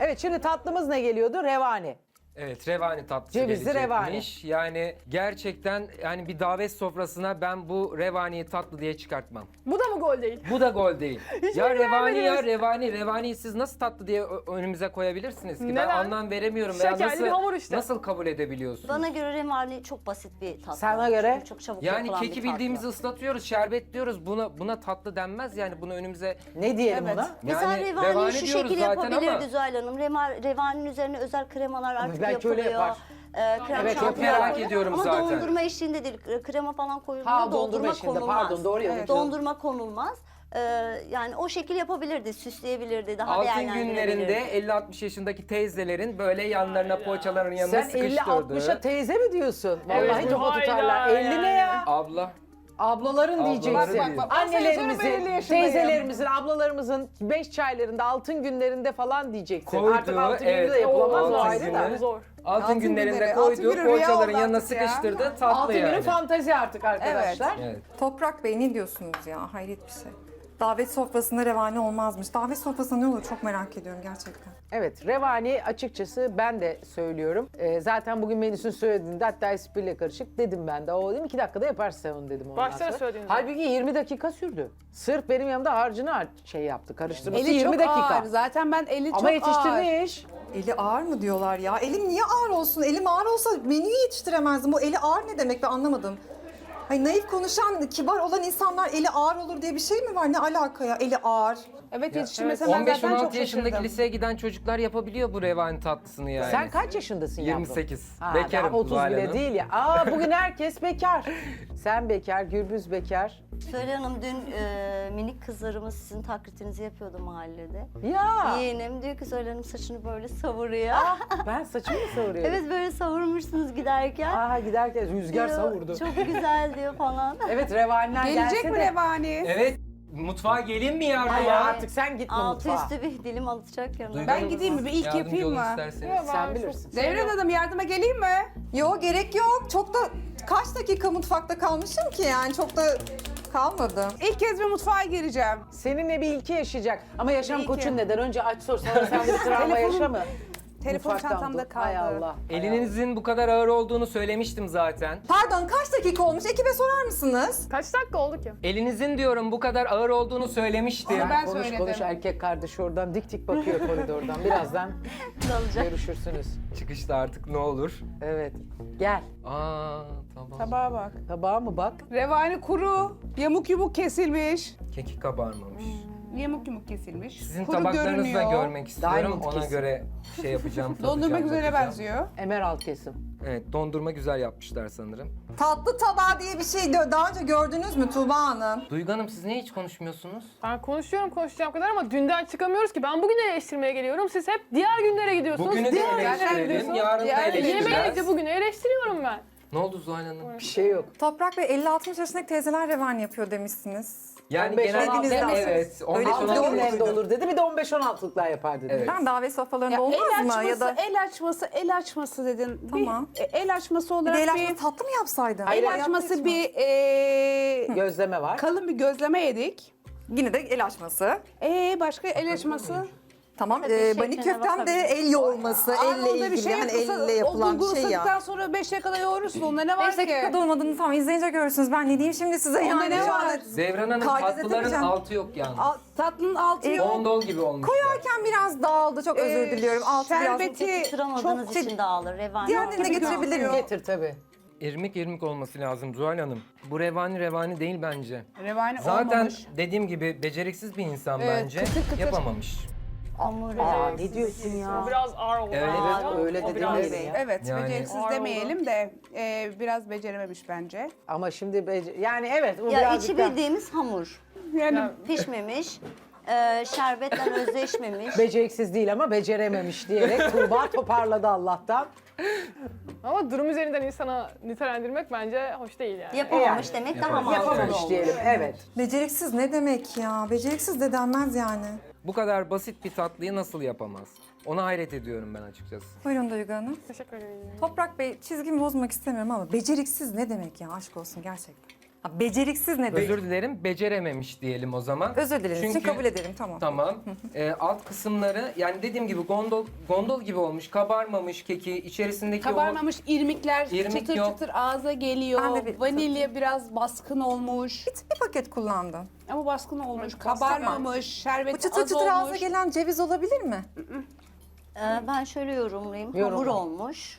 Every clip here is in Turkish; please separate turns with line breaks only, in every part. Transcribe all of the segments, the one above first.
Evet, şimdi tatlımız ne geliyordu? Revani.
Evet, revani tatlısı
Cevizli
gelecekmiş. Yani gerçekten yani bir davet sofrasına ben bu revaniyi tatlı diye çıkartmam.
Bu da mı gol değil?
Bu da gol değil. Ya revani ya
beğenmediniz.
revaniyi siz nasıl tatlı diye önümüze koyabilirsiniz ki? Ben
Neden?
anlam veremiyorum. Veya
Şekerli bir hamur işte.
nasıl kabul edebiliyorsunuz?
Bana göre revani çok basit bir tatlı.
Sana göre?
Çok çabuk
Yani
yapılan
keki
bir
bildiğimizi
tatlı.
ıslatıyoruz, şerbetliyoruz. Buna tatlı denmez yani. Bunu önümüze
Ne diyelim ona?
Mesela
yani
revaniyi şu
diyoruz
şekilde
zaten ama
yapabilirdi Zuhal Hanım. Revaninin üzerine özel kremalar artık
belki öyle
yapılıyor.
yapar.
Krem
Evet,
şanti
merak
yapılıyor.
ediyorum
ama
zaten.
dondurma eşliğinde değil. Krema falan koyulduğunda
Ha, dondurma
dondurma
eşliğinde,
konulmaz.
pardon, doğru ya.
Evet. Dondurma konulmaz. Yani o şekil yapabilirdi, süsleyebilirdi, daha
altın
değerlendirebilirdi.
günlerinde 50-60 yaşındaki teyzelerin böyle yanlarına poğaçaların yanına
Sen
sıkıştırdığı.
50-60'a teyze mi diyorsun? Vallahi
Evet,
topa
hayda
tutarlar. 50 ne ya?
Abla.
Ablaların
Ablaları
diyeceksin.
değil. Bak,
ben sana söyleyeyim, 50
Annelerimizin,
yaşındayım.
teyzelerimizin, ablalarımızın 5 çaylarında, altın günlerinde falan diyeceksin.
Koyduğu,
Artık altın gününde
evet,
de yapılamaz o
altın
ayrı
günü.
da.
Zor.
Altın günlerinde
günleri,
koyduğu
altın günü rüya
poğaçaların
oldu
yanına
artık ya.
sıkıştırdığı tatlı
Altın günün
yani.
fantezi artık arkadaşlar.
Evet.
Toprak Bey ne diyorsunuz ya? Hayret bir şey. Davet sofrasında revani olmazmış. Davet sofrasında ne olur çok merak ediyorum gerçekten.
Evet, revani açıkçası ben de söylüyorum. Zaten bugün menüsünü söylediğinde hatta espriyle karışık dedim ben de. O dedim 2 dakikada yaparsın sen onu dedim ondan
Başta da
sonra.
söylediniz.
Halbuki 20 dakika sürdü. Sırf benim yanımda harcını şey yaptı, karıştırması
Eli
20
çok
dakika.
ağır. Zaten ben eli
Ama
çok ağır.
yetiştirmiş.
Eli ağır mı diyorlar ya? Elim niye ağır olsun? Elim ağır olsa menüyü yetiştiremezdim. Bu eli ağır ne demek ben anlamadım. Hayır, naif konuşan, kibar olan insanlar eli ağır olur diye bir şey mi var? Ne alaka ya? Eli ağır.
Evet yetiştirmesem ben zaten
15-16
çok
yaşındaki
şaşırdım.
liseye giden çocuklar yapabiliyor bu revani tatlısını yani.
Sen kaç yaşındasın yavrum?
28.
Ha,
Bekarım
daha 30
Zuhal
bile
Hanım.
değil ya. Aa, bugün herkes bekar. Sen bekar, Gürbüz bekar.
Söyle Hanım dün minik kızlarımız sizin taklitinizi yapıyordu mahallede.
Ya
Yeğenim diyor ki Söyle Hanım saçını böyle savuruyor.
ben saçımı mı savuruyorum?
Evet böyle savurmuşsunuz giderken.
Aa, giderken rüzgar
Diyor,
savurdu.
Çok güzel diyor falan.
Evet, revaniler
Gelecek
gelse
mi
de.
revani?
Evet. Mutfağa gelin mi yavrum
Ay,
ya?
artık sen gitme
Altı
mutfağa.
üstü bir dilim alacak yanına.
Duygu
Ben
Hanım,
gideyim mi? Bir ilk
yardımcı
yapayım
olun
mı?
isterseniz.
Sen bilirsin.
Devran Hanım yardıma geleyim mi?
Yok gerek yok. Çok da kaç dakika mutfakta kalmışım ki yani çok da kalmadı.
İlk kez bir mutfağa gireceğim.
Seninle bir ilki yaşayacak. Ama yaşam
İlki.
koçun neden? Önce aç sor, sonra sen bir travma
Telefonum-
yaşa mı?
Telefon
Mutfaktan
çantamda
dur.
kaldı.
Hay Allah.
Elinizin bu kadar ağır olduğunu söylemiştim zaten.
Pardon kaç dakika olmuş? Ekibe sorar mısınız?
Kaç dakika oldu ki?
Elinizin diyorum bu kadar ağır olduğunu söylemiştim.
Ama ben
Konuş
söyledim.
konuş, erkek kardeşi oradan dik dik bakıyor koridordan. Birazdan görüşürsünüz.
Çıkışta artık ne olur.
Evet. Gel.
Aa tamam.
Tabağa bak.
Tabağa mı bak?
Revani kuru, yamuk yumuk kesilmiş.
Keki kabarmamış.
Yamuk yumuk kesilmiş.
Sizin
kuru
tabaklarınızı da
görünüyor.
görmek istiyorum.
Diamond
Ona
kesim.
göre şey yapacağım.
Dondurma
tadacağım,
güzele
bakacağım.
benziyor.
Emerald kesim.
Evet, dondurma güzel yapmışlar sanırım.
Tatlı tabağı diye bir şey daha önce gördünüz mü Tuğba Hanım?
Duygu Hanım siz niye hiç konuşmuyorsunuz?
Ben konuşuyorum konuşacağım kadar ama dünden çıkamıyoruz ki. Ben bugün eleştirmeye geliyorum. Siz hep diğer günlere gidiyorsunuz.
Bugünü de
diğer
eleştirelim, yarın da
Diğer-
Yemeğe
eleştireceğiz.
de bugünü eleştiriyorum ben.
Ne oldu Zuhal Hanım?
Bir şey yok.
Toprak Bey 50-60 yaşındaki teyzeler revani yapıyor demişsiniz.
Yani
15,
genelde
16
evet.
Öyle
15
Altı
Doğru
16
günlerinde olur dedi. Bir de 15-16'lıklar yapar dedi.
Evet.
Ben davet sofralarında
Ya
olmaz
el
mı?
açması,
Ya da
el açması dedin.
Tamam.
El açması
bir
olarak
de el
bir,
açması tatlı mı yapsaydın?
Hayır,
el açması bir
Gözleme var.
kalın bir gözleme yedik.
Yine de el açması.
Başka el açması?
Tamam.
Tabii,
Bani
şekline
köftem de
bakabiliriz.
el yoğurması, elle
Onda
ilgili hani elle yapılan bir şey ya.
sonra 5 dakikada yoğurursun. Onda ne var
5 dakikada
ki?
olmadığını tamam izleyince görürsünüz. Ben ne diyeyim şimdi size
Onda
yani.
ne
şu
var?
anda
Devran Hanım
Kalbize
tatlıların
takacağım.
altı yok yalnız.
Tatlının altı yok.
Dondol gibi olmuş.
Koyarken biraz dağıldı. Çok özür diliyorum. Altı biraz.
şerbeti
Tutturamadığınız
çok
için dağılır. Revani.
Diğerlerini de getirebilir miyim?
Getir tabii.
İrmik irmik olması lazım Zuhal Hanım. Bu revani değil bence.
Revani
Zaten
olmamış.
dediğim gibi beceriksiz bir insan
Evet,
bence.
kıtır kıtır.
Yapamamış.
Hamur
Aa,
revani.
ne diyorsun ya?
O biraz ağır oldu.
Evet.
Evet, öyle
O
de
biraz-
demeyelim ya.
Evet,
Yani-
beceriksiz
Ağır
demeyelim de biraz becerememiş bence.
Ama şimdi yani evet bu
Ya
birazcık
içi
da
bildiğimiz hamur.
Yani
Pişmemiş. Şerbetle özleşmemiş.
beceriksiz değil ama becerememiş diyerek Tuğba toparladı Allah'tan.
Ama durum üzerinden insana nitelendirmek bence hoş değil yani.
Yapamamış
Yani.
demek daha mantıklı
Yapamamış
olur.
diyelim, evet.
Beceriksiz ne demek ya? Beceriksiz de denmez yani.
Bu kadar basit bir tatlıyı nasıl yapamaz? Ona hayret ediyorum ben açıkçası.
Buyurun Duygu Hanım.
Teşekkür ederim.
Toprak Bey çizgimi bozmak istemiyorum ama beceriksiz ne demek ya? Aşk olsun gerçekten. Ha, beceriksiz ne demek?
Özür dilerim, becerememiş diyelim o zaman.
Özür dilediğiniz için
Çünkü-
kabul ederim, tamam.
Tamam. Alt kısımları yani dediğim gibi gondol gibi olmuş. Kabarmamış keki. İçerisindeki
Kabarmamış irmikler
İrmik
çıtır
yok.
çıtır ağza geliyor.
Ben de bir-
Vanilya biraz baskın olmuş.
Bir paket kullandın.
Ama baskın olmuş. Kabarmamış. Şerbeti
Bu çıtır
az
çıtır ağza
olmuş.
gelen ceviz olabilir mi?
Ben şöyle yorumlayayım.
Yorumla.
Hamur olmuş.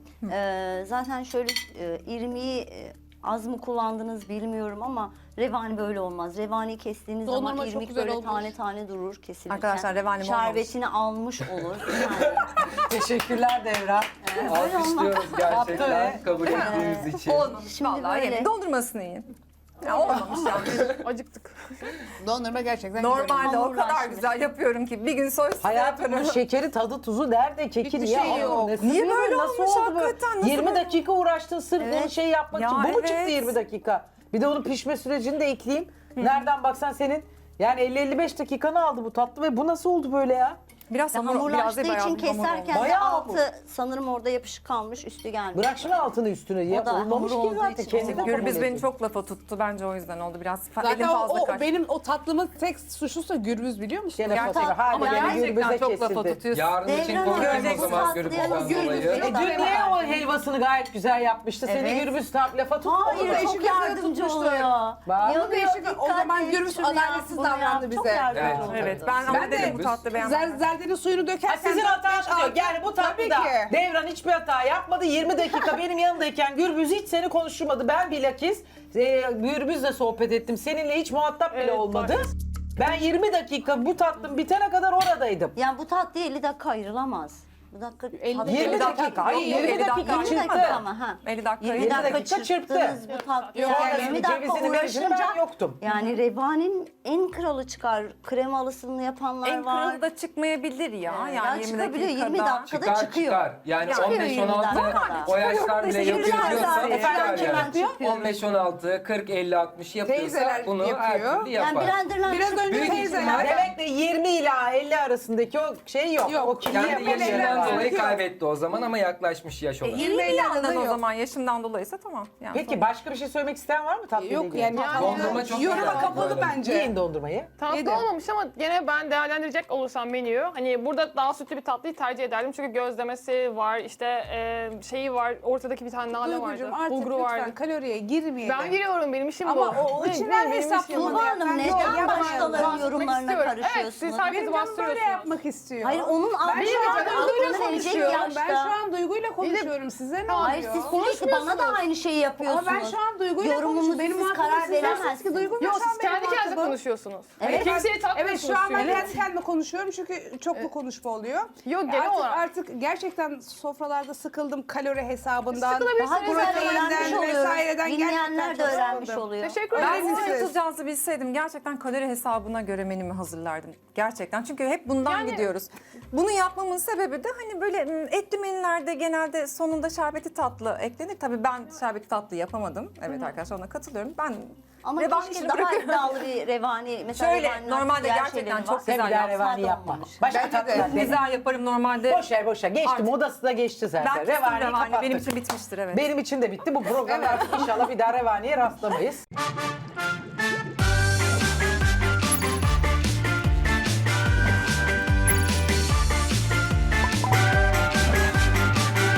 Zaten şöyle irmiği az mı kullandınız bilmiyorum ama revani böyle olmaz. Revani kestiğiniz
Dondurma
zaman
çok
irmik
güzel
böyle
olmuş.
tane tane durur kesilirken.
Arkadaşlar, revanim olmamış.
Şerbetini almış olur. Yani,
Teşekkürler Devran.
alkışlıyoruz
Yaptı
gerçekten
ve-
kabul ettiğiniz için.
Olmamış
Şimdi
vallahi.
böyle.
Yemin. Dondurmasını yiyin. Ya olmamış yani.
Acıktık.
Dondurma gerçekten güzel olmuş.
Normalde o kadar
Hamurlaşmış.
güzel yapıyorum ki bir gün soy size
Hayatım
yaparım.
bunun şekeri, tadı, tuzu nerede? Keki
Hiçbir
niye?
şey
aldın?
yok.
Nesi
Niye
bileyim,
böyle
nasıl
olmuş
oldu bu?
hakikaten? Nasıl
20
böyle?
dakika uğraştın sırf
Evet.
bunu şey yapmak
Ya
için. Bu mu çıktı
evet.
20 dakika? Bir de onun pişme sürecini de ekleyeyim. Nereden baksan senin yani 50-55 dakikanı aldı bu tatlı ve bu nasıl oldu böyle ya?
Biraz hamur, biraz
hamurlaştığı
değil, bayağı
için
bir hamur
keserken
olmuş.
de
Bayağı
altı sanırım orada yapışık kalmış, üstü gelmiş.
Bırak şunu altını üstüne ya.
O da
Olmamış
hamur
ki
olduğu
zaten.
için
Kendi de
olmamış.
Gürbüz
kabul
beni
ediyor.
çok lafa tuttu. Bence o yüzden oldu biraz.
Zaten
Elim fazla kaçtı.
benim o tatlımın tek suçlusu Gürbüz biliyor musun?
Gene
Gerçekten-
fatura. Hala
ama
gene
gerçekten
gürbüze
çok lafa
kesildi.
tutuyorsun.
Yarın için
Devran
konuşalım
Hanım,
o zaman
bu
Gürbüz'den
tatlıya
dolayı.
Gürbüz'ü
Dün niye o helvasını gayet güzel yapmıştı? Seni
Evet.
gürbüz lafa tuttu.
Hayır,
Değişik
çok
yapıya
yardımcı
tutmuştu.
oluyor.
Bak.
Yok,
Değişik-
yok,
o zaman
dikkat et,
Gürbüz
şunu yap,
adaletsiz
bunu yap.
davrandı
Çok
bize.
yardımcı
Evet.
oldu.
Evet, ben ama
Ben de
dedim bu tatlı beğenmedim.
Zerdenin suyunu
Ha,
dökerken...
sizin hatanız yok. Yani bu tatlıda
Tabii ki.
Devran hiçbir hata yapmadı. 20 dakika benim yanındayken Gürbüz hiç seni konuşturmadı. Ben bilakis Gürbüz'le sohbet ettim. Seninle hiç muhatap bile
Evet,
olmadı. Ben 20 dakika bu tatlım bitene kadar oradaydım.
Yani bu tatlıya 50 dakika ayrılamaz. Bu dakika
20 dakika. Hayır, 20 dakika
20
çıktı.
dakika ama ha.
50 dakika.
20 dakika
dakika çırptı.
çırptınız bu tatlıyı.
Yok,
Yani
yani
20 dakika
cevizini verişini ben
uğraşınca
yoktum.
yani revanin en kralı çıkar. Kremalısını yapanlar
En
var.
kralı da çıkmayabilir ya.
Ya
Yani 20
çıkabiliyor, 20
dakikada.
dakikada
Çıkar
çıkıyor.
çıkar. Yani
Çıkıyor
15-16
20'den
o yaşlar bile
Çıkıyor.
yapıyorsa
Çıkıyor.
çıkar
Çıkıyor.
yani.
Çıkıyor.
15-16, 40-50-60 yapıyorsa
Teyzeler
bunu her
yapıyor.
türlü
Yani
yapar.
blenderlar
Biraz önce
Büyük
teyzeler...
ihtimal-
Demek de 20 ila 50 arasındaki o şey yok.
Yok.
O kirli
Kendi
yapacak
yaşından
şeyler
yaşından
var.
dolayı
Yok.
kaybetti o zaman ama yaklaşmış yaş olarak.
20
Yandan o
yok.
zaman yaşımdan dolayıysa tamam. Yani
Peki başka bir şey söylemek isteyen var mı tatlıyla
Yok
ilgili?
yani,
Dondurma çok
yoruma
güzel.
kapalı
Böyle.
bence.
Yiyin dondurmayı.
Tatlı
Yedim.
olmamış ama gene ben değerlendirecek olursam menüyü hani burada daha sütlü bir tatlıyı tercih ederdim. Çünkü gözlemesi var, işte şeyi var, ortadaki bir tane nane vardı,
Duygucuğum artık
bulguru
lütfen
vardı.
kaloriye girmeyelim.
Ben giriyorum, benim işim bu.
Ama o içinden
Benim işim
hesaplama
bu.
Tuğba Hanım
Yok,
neden
yapmayalım.
başkalarının
Bahsetmek
yorumlarına
istiyorum. Evet,
karışıyorsunuz?
siz herkesi
Benim canım böyle
bastırıyorsunuz.
yapmak istiyor.
Hayır, onun
Ben
almış
şu an
olduğu
duyguyla
aklını verecek
konuşuyorum.
yaşta.
Ben şu an duyguyla konuşuyorum. Size ne
Hayır,
oluyor?
siz sürekli bana da aynı şeyi yapıyorsunuz.
Ama ben şu an duyguyla
Yorumunuzu
konuşuyorum. Benim
siz
muhatabım
karar
siz dersiniz
veremezsiniz.
ki Duygu
Yok,
şu an
siz
benim
kendi kendinize
muhatabım.
konuşuyorsunuz.
Evet.
Kimseye
Evet
takmıyorsunuz
şu an ben
sürekli.
kendi kendime konuşuyorum çünkü çoklu konuşma oluyor.
Yok, genel
artık,
olarak.
Artık gerçekten sofralarda sıkıldım kalori hesabından.
Sıkılabilirsiniz.
Daha güzel öğrenmiş
proteinden
oluyoruz.
vesaireden
Dinleyenler de
gerçekten çok
öğrenmiş
sıkıldım.
oluyor.
Teşekkür
Ben
ederim.
sizin
siz-
tutacağınızı bilseydim gerçekten kalori hesabına göre menümü hazırlardım. Gerçekten. Çünkü hep bundan
Yani-
gidiyoruz. Bunu yapmamın sebebi de hani böyle etli menülerde genelde sonunda şerbeti tatlı eklenir. Tabii ben şerbeti tatlı yapamadım. Evet arkadaşlar, ona katılıyorum. Ben
Ama
revani
keşke
işini
daha
bırakıyorum.
iddialı bir revani. Mesela
Şöyle,
revaniler
normalde
diğer
gerçekten
şeyleri
çok
var.
güzel
Sen bir daha
yapsam
revani
da
yapma.
olmamış.
Başka
Bence de.
tatlılar dene.
Güzel yaparım normalde.
Boş ver boş ver. Geçti,
Artık-
modası da geçti zaten.
Ben kestim
Revaniyi
revani.
kapattık.
Benim için bitmiştir evet.
Benim için de bitti. Bu programda artık inşallah bir daha revaniye rastlamayız.